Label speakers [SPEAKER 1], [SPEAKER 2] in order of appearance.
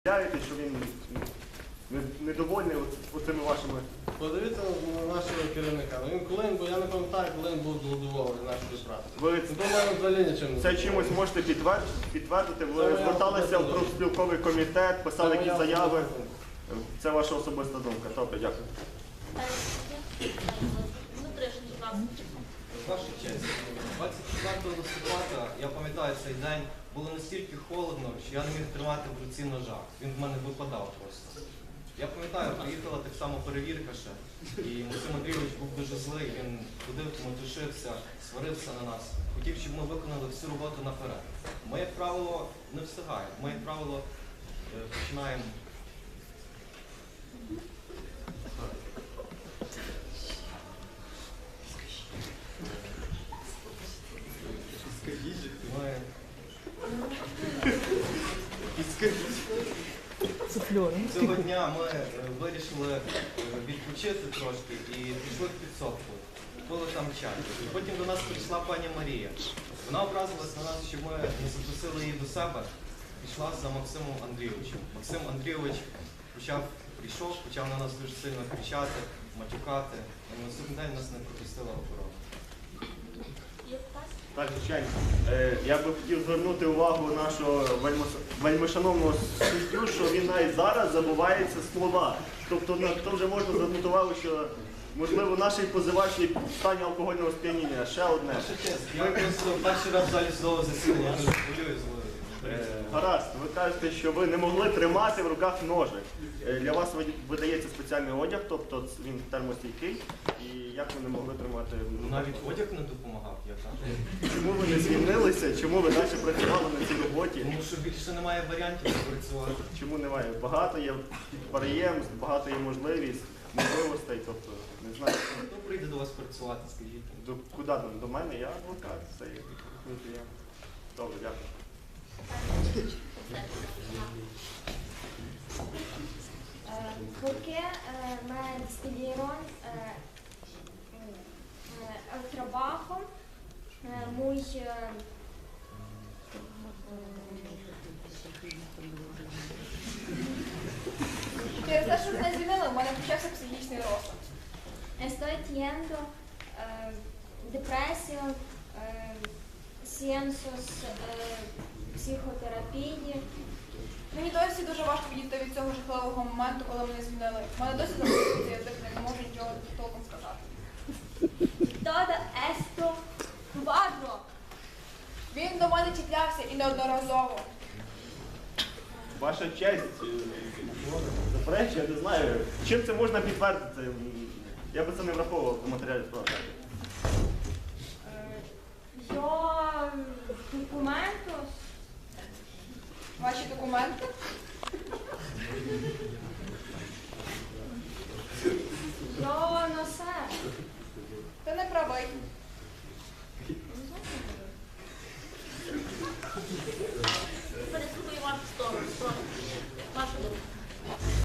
[SPEAKER 1] Що він недовольний оцими вашими...
[SPEAKER 2] Подивіться на нашого керівника. Коли він був, я не пам'ятаю, коли він був голодувовий нашої праці. Думаю, взагалі нічим.
[SPEAKER 1] Це чимось можете підтвердити? Ви зверталися в профспілковий комітет, писали якісь заяви. Це ваша особиста думка. Добре, дякую.
[SPEAKER 3] Ваша честь, 24 листопада, я пам'ятаю цей день, було настільки холодно, що я не міг тримати в руці ножа. Він в мене випадав просто. Я пам'ятаю, приїхала так само перевірка ще, і Максим Андрійович був дуже злий, він ходив, мотушився, сварився на нас. Хотів, щоб ми виконали всю роботу наперед. Ми, як правило, не встигаємо. Ми, як правило, починаємо... Цього дня ми вирішили відпочити трошки і пішли в підсобку. Пили там чай. І потім до нас прийшла пані Марія. Вона образилась на нас, що ми не запросили її до себе. Пішла за Максимом Андрійовичем. Максим Андрійович прийшов, почав на нас дуже сильно кричати, матюкати. І на наступний день нас не пропустила охорона.
[SPEAKER 1] Так, звичайно. Я би хотів звернути увагу нашого вельмишановного суддю, що він навіть зараз забувається слова. Тобто то вже можна звернути увагу, що можливо наш позивач є в стані алкогольного сп'яніння. Ще одне.
[SPEAKER 3] Я просто перший раз в залі судового засідання, я дуже хвилююсь.
[SPEAKER 1] Гаразд, ви кажете, що ви не могли тримати в руках ножик. Для вас видається спеціальний одяг, тобто він термостійкий. І як ви не могли тримати?
[SPEAKER 3] Навіть одяг не допомагав, я кажу.
[SPEAKER 1] Чому ви не звільнилися? Чому ви далі працювали на цій роботі?
[SPEAKER 3] Тому що більше немає варіантів працювати.
[SPEAKER 1] Чому немає? Багато є підприємств, багато є можливостей, тобто, не знаю.
[SPEAKER 3] Хто прийде до вас працювати, скажіть?
[SPEAKER 1] Куди там? До мене? Я адвокат, це є клієнт. Добре, дякую.
[SPEAKER 4] Porque me despidieron el trabajo muy
[SPEAKER 5] Через те, що мене звільнили, у мене почався психічний розлад.
[SPEAKER 4] estoy teniendo depresión, seansos psihoterapії.
[SPEAKER 5] Мені досі дуже важко відійти від цього жахливого моменту, коли мене звільнили. У мене досі записується язик, не можу нічого толком сказати.
[SPEAKER 4] Todo esto cuadro.
[SPEAKER 5] Він до мене чіплявся і неодноразово.
[SPEAKER 1] Ваша честь, заперечую, я не знаю, чим це можна підтвердити? Я би це не враховував в матеріалі справи.
[SPEAKER 4] Yo documentos.
[SPEAKER 5] Ваші документи?
[SPEAKER 4] Yo no sé.
[SPEAKER 5] Ти не правий.